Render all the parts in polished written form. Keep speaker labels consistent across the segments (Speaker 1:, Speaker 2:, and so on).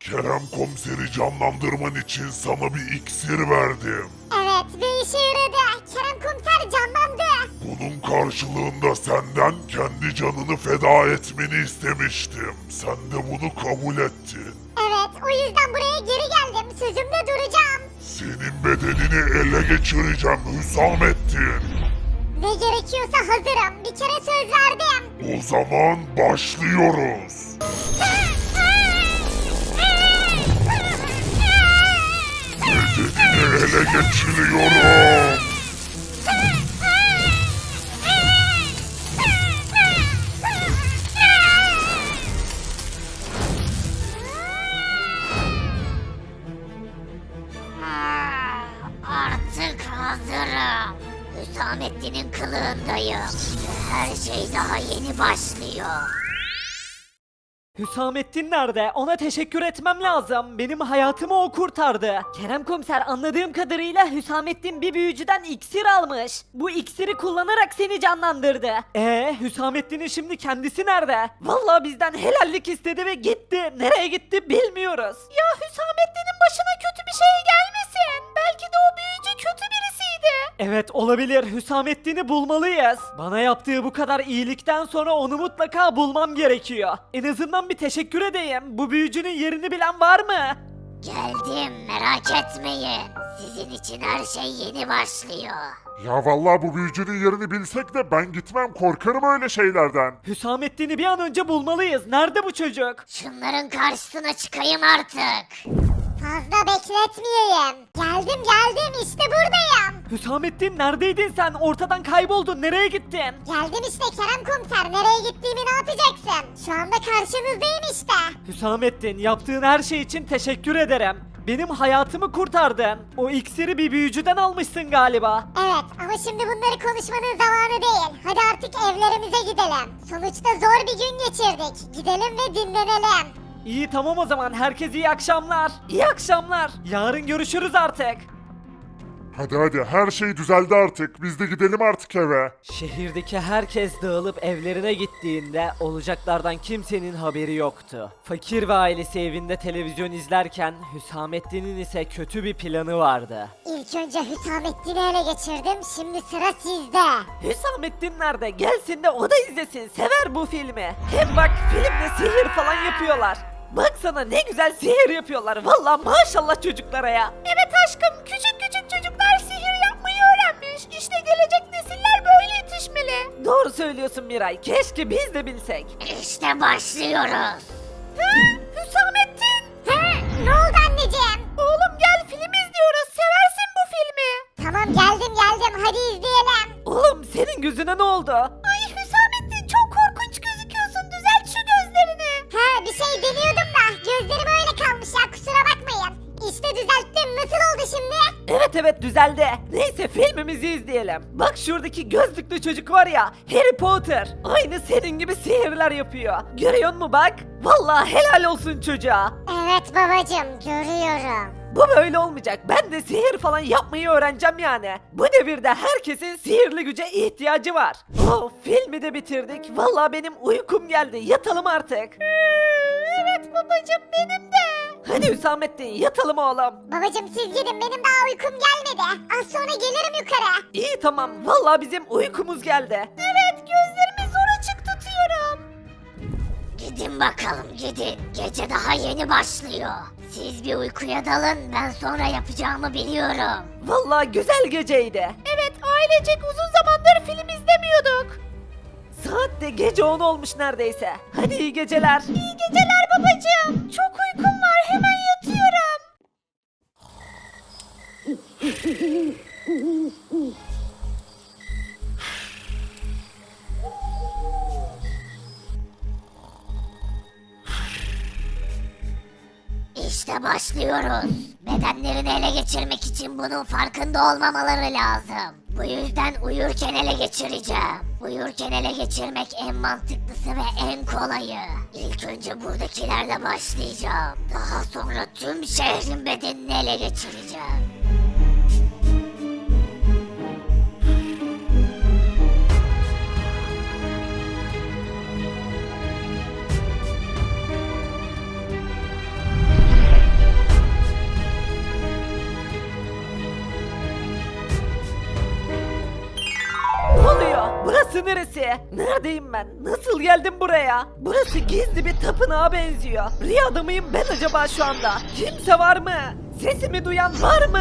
Speaker 1: Kerem komiseri canlandırman için sana bir iksir verdim.
Speaker 2: Evet ve işe yaradı. Kerem komiser canlandı.
Speaker 1: Bunun karşılığında senden kendi canını feda etmeni istemiştim. Sen de bunu kabul ettin.
Speaker 2: Evet o yüzden buraya geri geldim. Sözümde duracağım.
Speaker 1: Senin bedenini ele geçireceğim Hüsamettin.
Speaker 2: Ne gerekiyorsa hazırım. Bir kere söz verdim.
Speaker 1: O zaman başlıyoruz. Bedenini ele geçiriyorum.
Speaker 2: Artık hazırım. Hüsamettin'in kılığındayım. Her şey daha yeni başlıyor.
Speaker 3: Hüsamettin nerede? Ona teşekkür etmem lazım. Benim hayatımı o kurtardı. Kerem komiser anladığım kadarıyla Hüsamettin bir büyücüden iksir almış. Bu iksiri kullanarak seni canlandırdı. Hüsamettin'in şimdi kendisi nerede? Vallahi bizden helallik istedi ve gitti. Nereye gitti bilmiyoruz. Ya Hüsamettin'in başına kötü bir şey gelmesin. Belki de o büyücü kötü birisiydi. Evet olabilir. Hüsamettin'i bulmalıyız. Bana yaptığı bu kadar iyilikten sonra onu mutlaka bulmam gerekiyor. En azından bir teşekkür edeyim. Bu büyücünün yerini bilen var mı?
Speaker 2: Geldim merak etmeyin. Sizin için her şey yeni başlıyor.
Speaker 1: Ya vallahi bu büyücünün yerini bilsek de ben gitmem, korkarım öyle şeylerden.
Speaker 3: Hüsamettin'i bir an önce bulmalıyız. Nerede bu çocuk?
Speaker 2: Şunların karşısına çıkayım artık. Fazla bekletmeyeyim. Geldim işte buradayım.
Speaker 3: Hüsamettin neredeydin sen? Ortadan kayboldun. Nereye gittin?
Speaker 2: Geldim işte Kerem komiser. Nereye gittiğimi ne yapacaksın? Şu anda karşınızdayım işte.
Speaker 3: Hüsamettin yaptığın her şey için teşekkür ederim. Benim hayatımı kurtardın. O iksiri bir büyücüden almışsın galiba.
Speaker 2: Evet ama şimdi bunları konuşmanın zamanı değil. Hadi artık evlerimize gidelim. Sonuçta zor bir gün geçirdik. Gidelim ve dinlenelim.
Speaker 3: İyi tamam o zaman. Herkese iyi akşamlar. İyi akşamlar. Yarın görüşürüz artık.
Speaker 1: Hadi her şey düzeldi artık. Biz de gidelim artık eve.
Speaker 3: Şehirdeki herkes dağılıp evlerine gittiğinde olacaklardan kimsenin haberi yoktu. Fakir ve ailesi evinde televizyon izlerken Hüsamettin'in ise kötü bir planı vardı.
Speaker 2: İlk önce Hüsamettin'i ele geçirdim. Şimdi sıra sizde.
Speaker 3: Hüsamettin nerede? Gelsin de o da izlesin. Sever bu filmi. Hem bak filmde sihir falan yapıyorlar. Baksana ne güzel sihir yapıyorlar. Vallahi maşallah çocuklara ya. Evet aşkım küçük çocuklar sihir yapmayı öğrenmiş. İşte gelecek nesiller böyle yetişmeli. Doğru söylüyorsun Miray. Keşke biz de bilsek.
Speaker 2: İşte başlıyoruz.
Speaker 3: Hüsamettin.
Speaker 2: Ne oldu anneciğim?
Speaker 3: Oğlum gel film izliyoruz. Seversin bu filmi.
Speaker 2: Tamam geldim. Hadi izleyelim.
Speaker 3: Oğlum senin gözüne ne oldu? Ay Hüsamettin çok korkunç gözüküyorsun. Düzelt şu gözlerini.
Speaker 2: Bir şey deniyordum da gözlerim öyle kalmış ya kusura bakmayın. İşte düzelttim. Nasıl oldu şimdi?
Speaker 3: Evet düzeldi. Neyse filmimizi izleyelim. Bak şuradaki gözlüklü çocuk var ya Harry Potter. Aynı senin gibi sihirler yapıyor. Görüyor musun bak? Vallahi helal olsun çocuğa.
Speaker 2: Evet babacım görüyorum.
Speaker 3: Bu böyle olmayacak. Ben de sihir falan yapmayı öğreneceğim yani. Bu devirde herkesin sihirli güce ihtiyacı var. Oh, filmi de bitirdik. Vallahi benim uykum geldi. Yatalım artık. Evet babacım benim de. Hadi Hüsamettin yatalım oğlum.
Speaker 2: Babacım siz gidin benim daha uykum gelmedi. Az sonra gelirim yukarı.
Speaker 3: İyi tamam. Vallahi bizim uykumuz geldi. Evet gözlerimi zor açık tutuyorum.
Speaker 2: Gidin bakalım gidin. Gece daha yeni başlıyor. Siz bir uykuya dalın ben sonra yapacağımı biliyorum.
Speaker 3: Vallahi güzel geceydi. Evet ailecek uzun zamandır film izlemiyorduk. Saat de gece 10 olmuş neredeyse. Hadi iyi geceler. İyi geceler babacığım. Çok uykum var hemen yatıyorum.
Speaker 2: İşte başlıyoruz. Bedenlerini ele geçirmek için bunun farkında olmamaları lazım. Bu yüzden uyurken ele geçireceğim. Uyurken ele geçirmek en mantıklısı ve en kolayı. İlk önce buradakilerle başlayacağım. Daha sonra tüm şehrin bedenini ele geçireceğim.
Speaker 3: neresi? Neredeyim ben? Nasıl geldim buraya? Burası gizli bir tapınağa benziyor. Rüyada mıyım ben acaba şu anda? Kimse var mı? Sesimi duyan var mı?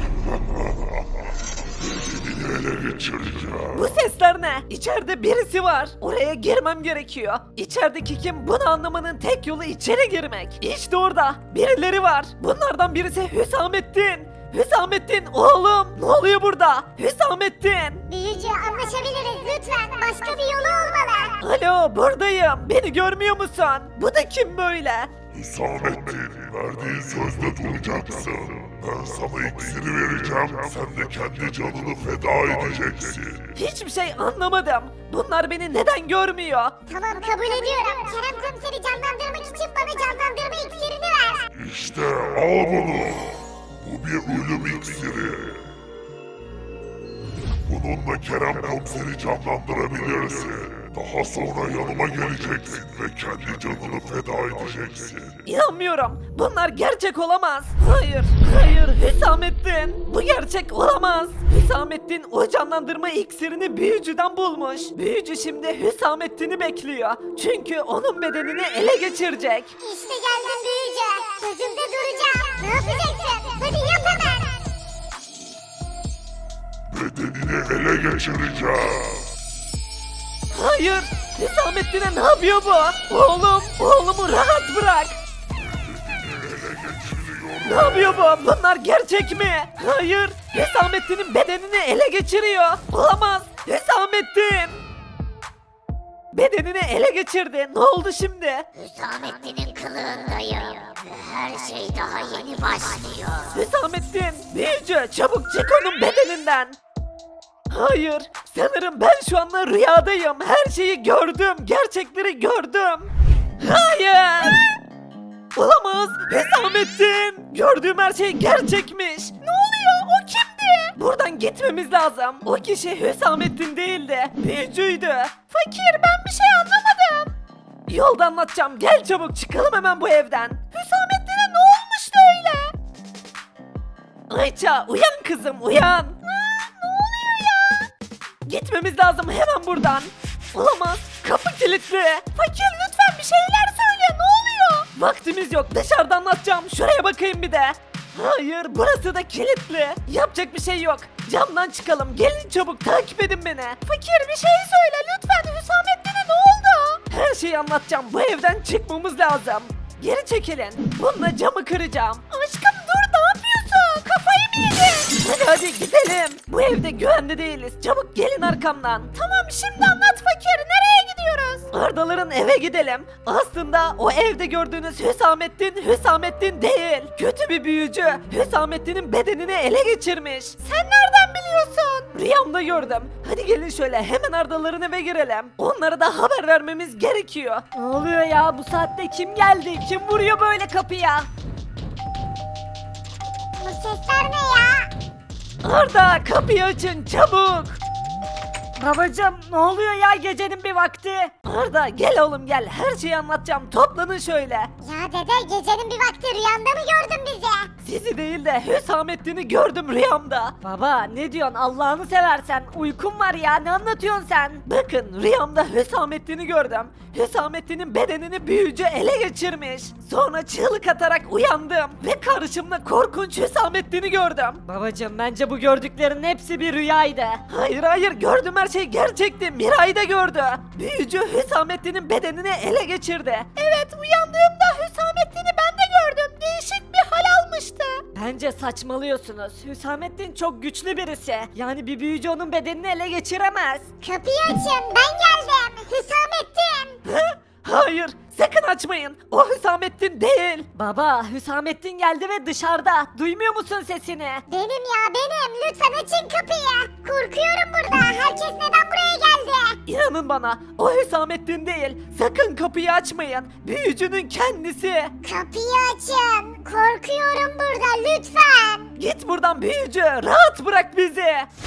Speaker 1: Bedenini ele geçireceğim.
Speaker 3: Bu sesler ne? İçeride birisi var. Oraya girmem gerekiyor. İçerideki kim? Bunu anlamanın tek yolu içeri girmek. İşte orada. Birileri var. Bunlardan birisi Hüsamettin. Hüsamettin oğlum. Ne oluyor burada? Hüsamettin.
Speaker 2: Büyücü anlaşabiliriz lütfen. Başka bir yolu olmalı.
Speaker 3: Alo buradayım. Beni görmüyor musun? Bu da kim böyle?
Speaker 1: Hüsamettin, verdiğin sözde duracaksın. Ben sana iksiri vereceğim, sen de kendi canını feda edeceksin.
Speaker 3: Hiçbir şey anlamadım. Bunlar beni neden görmüyor?
Speaker 2: Tamam kabul ediyorum. Kerem komiseri canlandırmak için bana canlandırma iksirini ver.
Speaker 1: İşte al bunu. Bu bir ölüm iksiri. Bununla Kerem komiseri canlandırabilirsin. Daha sonra yanıma geleceksin ve kendi canını feda edeceksin.
Speaker 3: İnanmıyorum. Bunlar gerçek olamaz. Hayır, hayır Hüsamettin. Bu gerçek olamaz. Hüsamettin o canlandırma iksirini büyücüden bulmuş. Büyücü şimdi Hüsamettin'i bekliyor. Çünkü onun bedenini ele geçirecek.
Speaker 2: İşte geldim büyücü. Sözümde duracağım. Ne yapacaksın? Hadi yap hemen.
Speaker 1: Bedenini ele geçireceğim.
Speaker 3: Hayır. Hüsamettin'e ne yapıyor bu? Oğlumu rahat bırak.
Speaker 1: Ele geçiriyorum.
Speaker 3: Ne yapıyor bu? Bunlar gerçek mi? Hayır. Hüsamettin'in bedenini ele geçiriyor. Olamaz. Hüsamettin. Bedenini ele geçirdi. Ne oldu şimdi?
Speaker 2: Hüsamettin'in kılığındayım. Ve her şey daha yeni başlıyor.
Speaker 3: Hüsamettin. Büyücü çabuk çık onun bedeninden. Hayır. Sanırım ben şu anda rüyadayım. Her şeyi gördüm. Gerçekleri gördüm. Hayır. Olamaz. Hüsamettin. Gördüğüm her şey gerçekmiş. Ne oluyor? O kimdi? Buradan gitmemiz lazım. O kişi Hüsamettin değildi. Büyücüydü. Fakir ben bir şey anlamadım. Yolda anlatacağım. Gel çabuk çıkalım hemen bu evden. Hüsamettin'e ne olmuştu öyle? Ayça uyan kızım uyan. Ne oluyor ya? Gitmemiz lazım hemen buradan. Olamaz. Kapı kilitli. Fakir lütfen bir şeyler söyle. Ne oluyor? Vaktimiz yok. Dışarıda anlatacağım. Şuraya bakayım bir de. Hayır burası da kilitli. Yapacak bir şey yok. Camdan çıkalım. Gelin çabuk takip edin beni. Fakir bir şey söyle lütfen. Hüsamettin'e ne oldu? Her şeyi anlatacağım. Bu evden çıkmamız lazım. Geri çekilin. Bununla camı kıracağım. Aşkım dur ne yapıyorsun? Kafayı mı yedin? Hadi gidelim. Bu evde güvende değiliz. Çabuk gelin arkamdan. Tamam şimdi anlat fakir. Nereye gidiyoruz? Ardaların eve gidelim. Aslında o evde gördüğünüz Hüsamettin değil. Kötü bir büyücü. Hüsamettin'in bedenini ele geçirmiş. Sen nereden biliyorsun? Rüyamda gördüm. Hadi gelin şöyle hemen Ardaların eve girelim. Onlara da haber vermemiz gerekiyor. Ne oluyor ya bu saatte kim geldi? Kim vuruyor böyle kapıya?
Speaker 2: Bu sesler ne ya?
Speaker 3: Arda kapıyı açın çabuk. Babacım ne oluyor ya gecenin bir vakti? Arda gel oğlum gel her şeyi anlatacağım toplanın şöyle.
Speaker 2: Ya dede gecenin bir vakti rüyanda mı gördün bizi?
Speaker 3: Sizi değil de Hüsamettin'i gördüm rüyamda. Baba ne diyorsun Allah'ını seversen uykum var ya ne anlatıyorsun sen? Bakın rüyamda Hüsamettin'i gördüm. Hüsamettin'in bedenini büyücü ele geçirmiş. Sonra çığlık atarak uyandım ve karşımda korkunç Hüsamettin'i gördüm. Babacım bence bu gördüklerin hepsi bir rüyaydı. Hayır gördüm her şey gerçekti. Miray da gördü. Büyücü Hüsamettin'in bedenini ele geçirdi. Evet uyandığımda Hüsamettin'i ben de gördüm. Değişik bir hal almıştı. Bence saçmalıyorsunuz. Hüsamettin çok güçlü birisi. Yani bir büyücü onun bedenini ele geçiremez.
Speaker 2: Kapıyı açın ben geldim. Hüsamettin.
Speaker 3: Hayır, sakın açmayın. O Hüsamettin değil. Baba, Hüsamettin geldi ve dışarıda. Duymuyor musun sesini?
Speaker 2: Benim ya benim. Lütfen açın kapıyı. Korkuyorum burada. Herkes neden buraya geldi?
Speaker 3: İnanın bana, o Hüsamettin değil. Sakın kapıyı açmayın. Büyücünün kendisi.
Speaker 2: Kapıyı açın. Korkuyorum burada lütfen.
Speaker 3: Git buradan büyücü. Rahat bırak bizi.